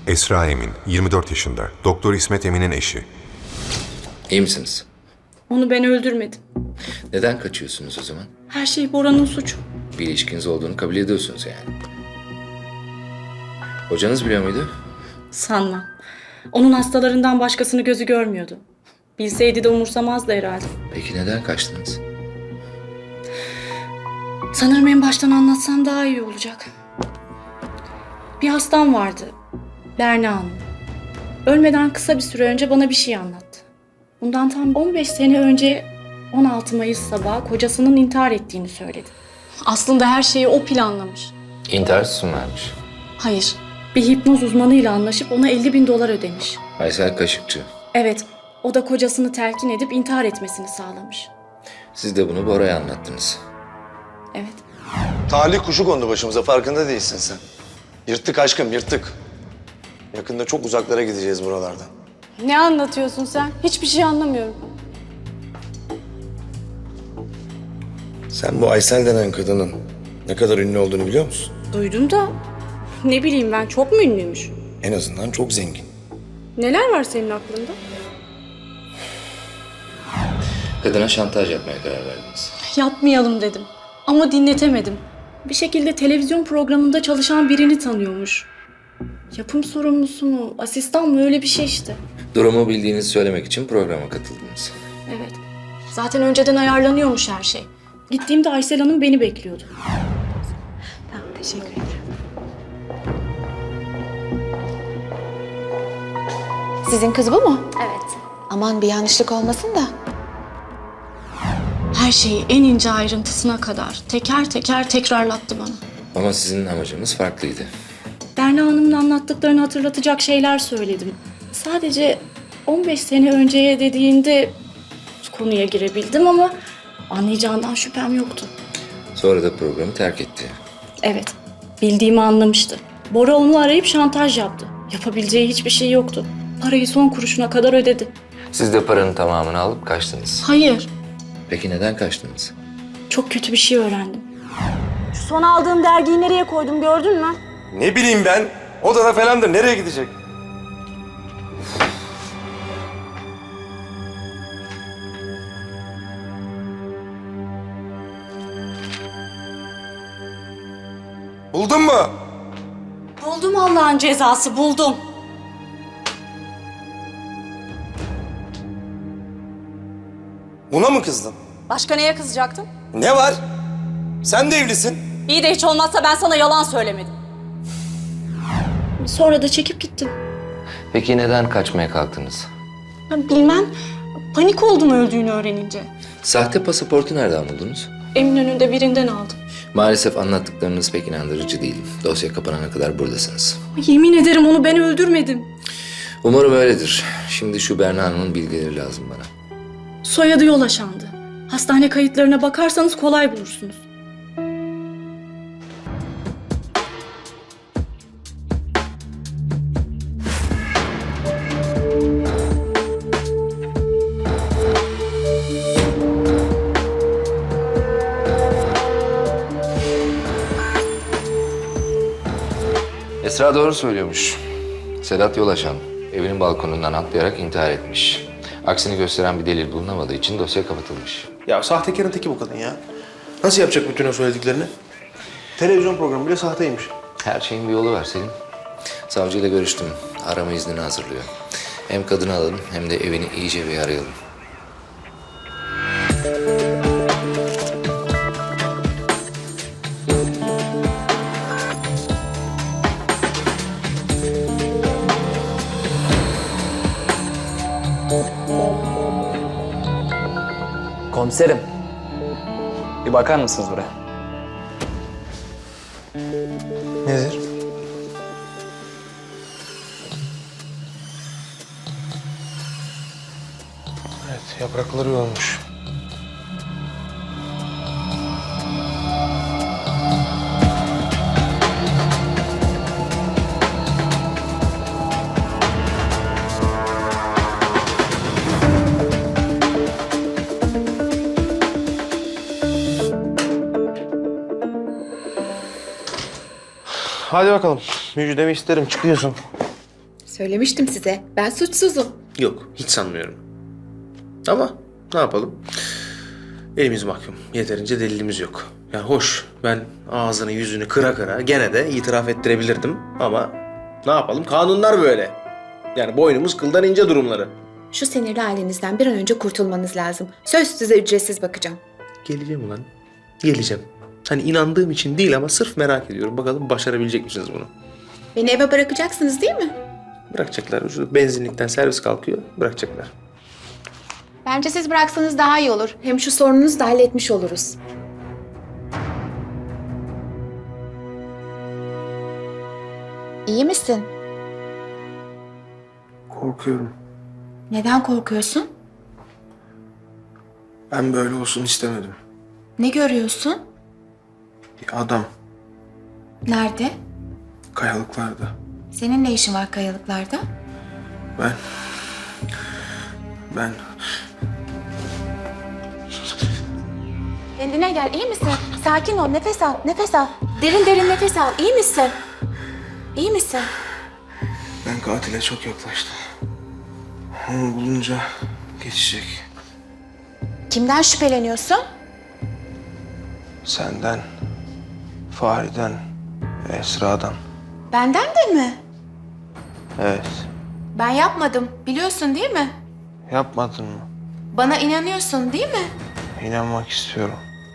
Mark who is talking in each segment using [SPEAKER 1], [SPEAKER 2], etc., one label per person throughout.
[SPEAKER 1] Esra Emin, 24 yaşında. Doktor İsmet Emin'in eşi.
[SPEAKER 2] İyi misiniz?
[SPEAKER 3] Onu ben öldürmedim.
[SPEAKER 2] Neden kaçıyorsunuz o zaman?
[SPEAKER 3] Her şey Bora'nın suçu.
[SPEAKER 2] Bir ilişkiniz olduğunu kabul ediyorsunuz yani. Hocanız biliyor muydu?
[SPEAKER 3] Sanmam. Onun hastalarından başkasını gözü görmüyordu. Bilseydi de umursamazdı herhalde.
[SPEAKER 2] Peki neden kaçtınız?
[SPEAKER 3] Sanırım en baştan anlatsam daha iyi olacak. Bir hastam vardı. Berna Hanım. Ölmeden kısa bir süre önce bana bir şey anlattı. Bundan tam 15 sene önce 16 Mayıs sabahı kocasının intihar ettiğini söyledi. Aslında her şeyi o planlamış.
[SPEAKER 2] İntihar süsü mü vermiş?
[SPEAKER 3] Hayır. Bir hipnoz uzmanıyla anlaşıp ona 50.000 dolar ödemiş.
[SPEAKER 2] Aysel Kaşıkçı.
[SPEAKER 3] Evet, o da kocasını telkin edip intihar etmesini sağlamış.
[SPEAKER 2] Siz de bunu Bora'ya anlattınız.
[SPEAKER 3] Evet.
[SPEAKER 4] Talih kuşu kondu başımıza, farkında değilsin sen. Yırttık aşkım, yırttık. Yakında çok uzaklara gideceğiz buralardan.
[SPEAKER 3] Ne anlatıyorsun sen? Hiçbir şey anlamıyorum.
[SPEAKER 4] Sen bu Aysel denen kadının ne kadar ünlü olduğunu biliyor musun?
[SPEAKER 3] Duydum da ne bileyim ben, çok mu ünlüymüş?
[SPEAKER 4] En azından çok zengin.
[SPEAKER 3] Neler var senin aklında?
[SPEAKER 2] Kadına şantaj yapmaya karar verdiniz.
[SPEAKER 3] Yapmayalım dedim ama dinletemedim. Bir şekilde televizyon programında çalışan birini tanıyormuş. Yapım sorumlusu mu, asistan mı, öyle bir şey işte.
[SPEAKER 2] Durumu bildiğinizi söylemek için programa katıldınız.
[SPEAKER 3] Evet. Zaten önceden ayarlanıyormuş her şey. Gittiğimde Aysel Hanım beni bekliyordu. Tamam, teşekkür ederim.
[SPEAKER 5] Sizin kız bu mu?
[SPEAKER 3] Evet.
[SPEAKER 5] Aman bir yanlışlık olmasın da.
[SPEAKER 3] Her şeyi en ince ayrıntısına kadar teker teker tekrarlattı bana.
[SPEAKER 2] Ama sizin amacınız farklıydı.
[SPEAKER 3] Berna Hanım'ın anlattıklarını hatırlatacak şeyler söyledim. Sadece 15 sene önceye dediğinde konuya girebildim ama anlayacağından şüphem yoktu.
[SPEAKER 2] Sonra da programı terk etti.
[SPEAKER 3] Evet, bildiğimi anlamıştı. Bora onu arayıp şantaj yaptı. Yapabileceği hiçbir şey yoktu. Parayı son kuruşuna kadar ödedi.
[SPEAKER 2] Siz de paranın tamamını alıp kaçtınız.
[SPEAKER 3] Hayır,
[SPEAKER 2] Peki neden kaçtınız?
[SPEAKER 3] çok kötü bir şey öğrendim. Şu son aldığım dergiyi nereye koydum, gördün mü?
[SPEAKER 4] Ne bileyim ben, odada falandır, nereye gidecek? Buldun mu?
[SPEAKER 3] Buldum, Allah'ın cezası, buldum.
[SPEAKER 4] Buna mı kızdın?
[SPEAKER 3] Başka neye kızacaktım?
[SPEAKER 4] Ne var? Sen de evlisin.
[SPEAKER 3] İyi de hiç olmazsa ben sana yalan söylemedim. Sonra da çekip gittim.
[SPEAKER 2] Peki neden kaçmaya kalktınız?
[SPEAKER 3] Bilmem, panik oldum öldüğünü öğrenince.
[SPEAKER 2] Sahte pasaportu nereden buldunuz?
[SPEAKER 3] Eminönü'nde birinden aldım.
[SPEAKER 2] Maalesef anlattıklarınız pek inandırıcı değil. Dosya kapanana kadar buradasınız.
[SPEAKER 3] Yemin ederim onu ben öldürmedim.
[SPEAKER 2] Umarım öyledir. Şimdi şu Berna Hanım'ın bilgileri lazım bana.
[SPEAKER 3] Soyadı Yolaşan'dı. Hastane kayıtlarına bakarsanız kolay bulursunuz.
[SPEAKER 2] Esra doğru söylüyormuş. Sedat Yolaşan evinin balkonundan atlayarak intihar etmiş. Aksini gösteren bir delil bulunamadığı için dosya kapatılmış.
[SPEAKER 6] Ya sahtekarın teki bu kadın ya. Nasıl yapacak bütün o söylediklerini? Televizyon programı bile sahteymiş.
[SPEAKER 2] Her şeyin bir yolu var Selim. Savcıyla görüştüm. Arama iznini hazırlıyor. Hem kadını alalım hem de evini iyice bir arayalım.
[SPEAKER 7] Komiserim. Bir bakar mısınız buraya?
[SPEAKER 6] Nedir? Evet, yaprakları yolmuş. Hadi bakalım. Müjdemi isterim. Çıkıyorsun.
[SPEAKER 5] Söylemiştim size. Ben suçsuzum.
[SPEAKER 6] Yok, hiç sanmıyorum. Ama ne yapalım? Elimiz mahkum. Yeterince delilimiz yok. Yani hoş, ben ağzını yüzünü kıra kıra gene de itiraf ettirebilirdim. Ama ne yapalım? Kanunlar böyle. Yani boynumuz kıldan ince durumları.
[SPEAKER 5] Şu sinirli halinizden bir an önce kurtulmanız lazım. Söz size ücretsiz bakacağım.
[SPEAKER 6] Geleceğim ulan. Geleceğim. Hani inandığım için değil ama sırf merak ediyorum. Bakalım başarabilecek misiniz bunu?
[SPEAKER 5] Beni eve bırakacaksınız değil mi?
[SPEAKER 6] Bırakacaklar. Şu benzinlikten servis kalkıyor. Bırakacaklar.
[SPEAKER 5] Bence siz bıraksanız daha iyi olur. Hem şu sorununuzu da halletmiş oluruz. İyi misin?
[SPEAKER 6] Korkuyorum.
[SPEAKER 5] Neden korkuyorsun?
[SPEAKER 6] Ben böyle olsun istemedim.
[SPEAKER 5] Ne görüyorsun?
[SPEAKER 6] Bir adam
[SPEAKER 5] Nerede?
[SPEAKER 6] kayalıklarda.
[SPEAKER 5] Senin ne işin var kayalıklarda?
[SPEAKER 6] Ben
[SPEAKER 5] Kendine gel, iyi misin? Sakin ol, nefes al, nefes al. Derin derin nefes al, iyi misin? İyi misin?
[SPEAKER 6] Ben katile çok yaklaştım. Onu bulunca geçecek.
[SPEAKER 5] Kimden şüpheleniyorsun?
[SPEAKER 6] Senden, Fahri'den, Esra'dan.
[SPEAKER 5] Benden de mi?
[SPEAKER 6] Evet.
[SPEAKER 5] Ben yapmadım, biliyorsun değil mi?
[SPEAKER 6] Yapmadın mı?
[SPEAKER 5] Bana inanıyorsun değil mi?
[SPEAKER 6] İnanmak istiyorum.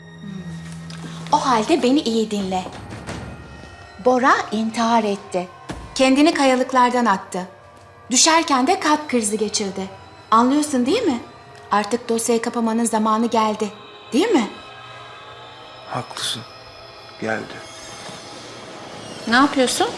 [SPEAKER 5] O halde beni iyi dinle. Bora intihar etti. Kendini kayalıklardan attı. Düşerken de kalp krizi geçirdi. Anlıyorsun değil mi? Artık dosyayı kapamanın zamanı geldi. Değil mi?
[SPEAKER 6] Haklısın. Geldi.
[SPEAKER 5] Ne yapıyorsun?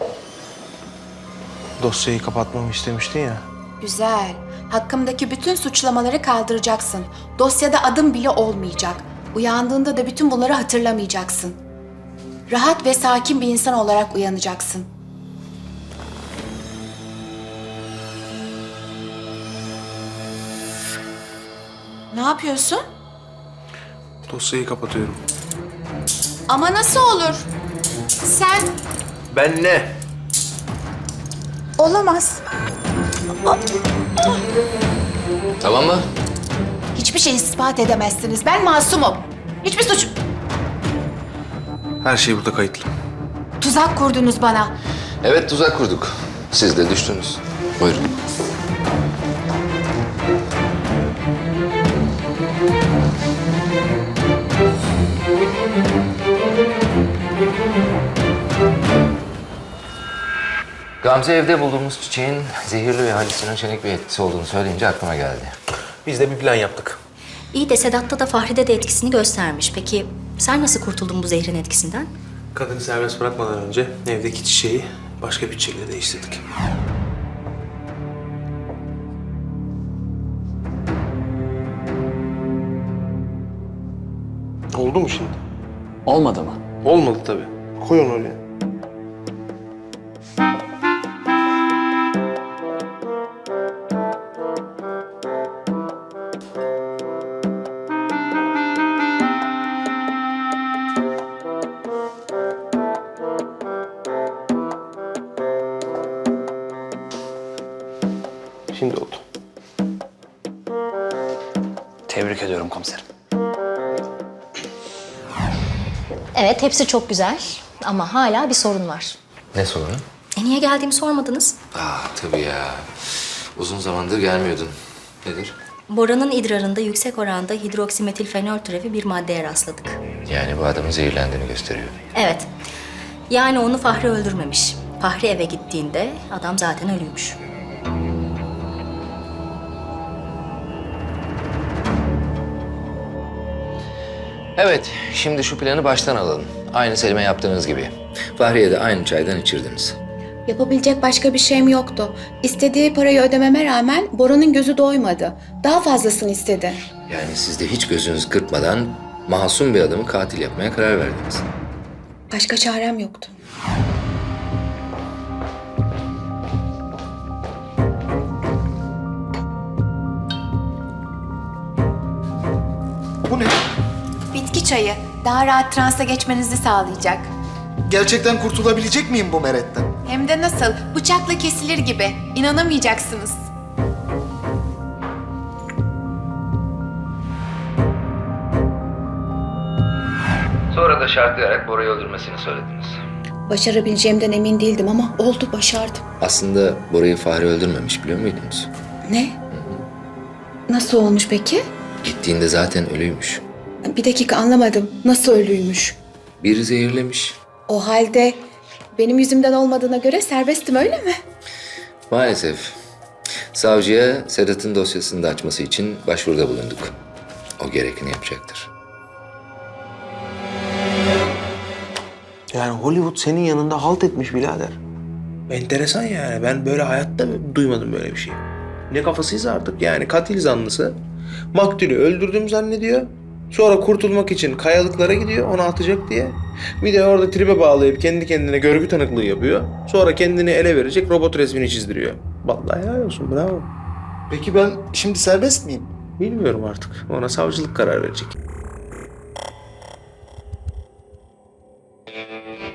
[SPEAKER 6] Dosyayı kapatmamı istemiştin ya.
[SPEAKER 5] Güzel. Hakkımdaki bütün suçlamaları kaldıracaksın. Dosyada adım bile olmayacak. Uyandığında da bütün bunları hatırlamayacaksın. Rahat ve sakin bir insan olarak uyanacaksın. Ne yapıyorsun?
[SPEAKER 6] Dosyayı kapatıyorum.
[SPEAKER 5] Ama nasıl olur? Sen...
[SPEAKER 6] Ben ne?
[SPEAKER 5] Olamaz.
[SPEAKER 2] Tamam mı?
[SPEAKER 5] Hiçbir şey ispat edemezsiniz. Ben masumum. Hiçbir suç...
[SPEAKER 6] Her şey burada kayıtlı.
[SPEAKER 5] Tuzak kurdunuz bana.
[SPEAKER 2] Evet, tuzak kurduk. Siz de düştünüz. Buyurun. Gamze evde bulduğumuz çiçeğin zehirli ve halüsinojenik bir etkisi olduğunu söyleyince aklıma geldi.
[SPEAKER 6] Biz de bir plan yaptık.
[SPEAKER 8] İyi de Sedat'ta da Fahri'de de etkisini göstermiş. Peki sen nasıl kurtuldun bu zehrin etkisinden?
[SPEAKER 6] Kadını serbest bırakmadan önce evdeki çiçeği başka bir çiçekle değiştirdik. Oldu mu şimdi?
[SPEAKER 7] Olmadı mı?
[SPEAKER 6] Olmadı tabii. Koy onu oraya. Şimdi oldu.
[SPEAKER 7] Tebrik ediyorum komiserim.
[SPEAKER 8] Evet, hepsi çok güzel ama hala bir sorun var.
[SPEAKER 2] Ne sorunu?
[SPEAKER 8] Niye geldiğimi sormadınız?
[SPEAKER 2] Tabii ya. Uzun zamandır gelmiyordun. Nedir?
[SPEAKER 8] Bora'nın idrarında yüksek oranda hidroksimetilfenol türevi bir maddeye rastladık.
[SPEAKER 2] Yani bu adamın zehirlendiğini gösteriyor.
[SPEAKER 8] Evet, yani onu Fahri öldürmemiş. Fahri eve gittiğinde adam zaten ölüymüş.
[SPEAKER 2] Evet, şimdi şu planı baştan alalım. Aynı Selim'e yaptığınız gibi. Fahriye de aynı çaydan içirdiniz.
[SPEAKER 5] Yapabilecek başka bir şeyim yoktu. İstediği parayı ödememe rağmen Bora'nın gözü doymadı. Daha fazlasını istedi.
[SPEAKER 2] Yani siz de hiç gözünüz kırpmadan masum bir adamı katil yapmaya karar verdiniz.
[SPEAKER 5] Başka çarem yoktu.
[SPEAKER 9] Bu ne?
[SPEAKER 5] Bitki çayı. Daha rahat transa geçmenizi sağlayacak.
[SPEAKER 9] Gerçekten kurtulabilecek miyim bu meretten?
[SPEAKER 5] Hem de nasıl? Bıçakla kesilir gibi. İnanamayacaksınız.
[SPEAKER 2] Sonra da şartlayarak Bora'yı öldürmesini söylediniz.
[SPEAKER 5] Başarabileceğimden emin değildim ama oldu, başardım.
[SPEAKER 2] Aslında Bora'yı Fahri öldürmemiş, biliyor muydunuz?
[SPEAKER 5] Ne? Nasıl olmuş peki?
[SPEAKER 2] Gittiğinde zaten ölüymüş.
[SPEAKER 5] Bir dakika, anlamadım. Nasıl ölüymüş?
[SPEAKER 2] Biri zehirlemiş.
[SPEAKER 5] O halde benim yüzümden olmadığına göre serbestim, öyle mi?
[SPEAKER 2] Maalesef. Savcıya Sedat'ın dosyasını da açması için başvuruda bulunduk. O gerekeni yapacaktır.
[SPEAKER 6] Yani Hollywood senin yanında halt etmiş birader. Enteresan yani. Ben böyle hayatta duymadım böyle bir şey. Ne kafasıysa artık yani katil zanlısı. Maktulü öldürdüm zannediyor. Sonra kurtulmak için kayalıklara gidiyor onu atacak diye. Bir de orada tribe bağlayıp kendi kendine görgü tanıklığı yapıyor. Sonra kendini ele verecek robot resmini çizdiriyor. Vallahi helal olsun, bravo.
[SPEAKER 9] Peki ben şimdi serbest miyim?
[SPEAKER 6] Bilmiyorum artık. Ona savcılık karar verecek.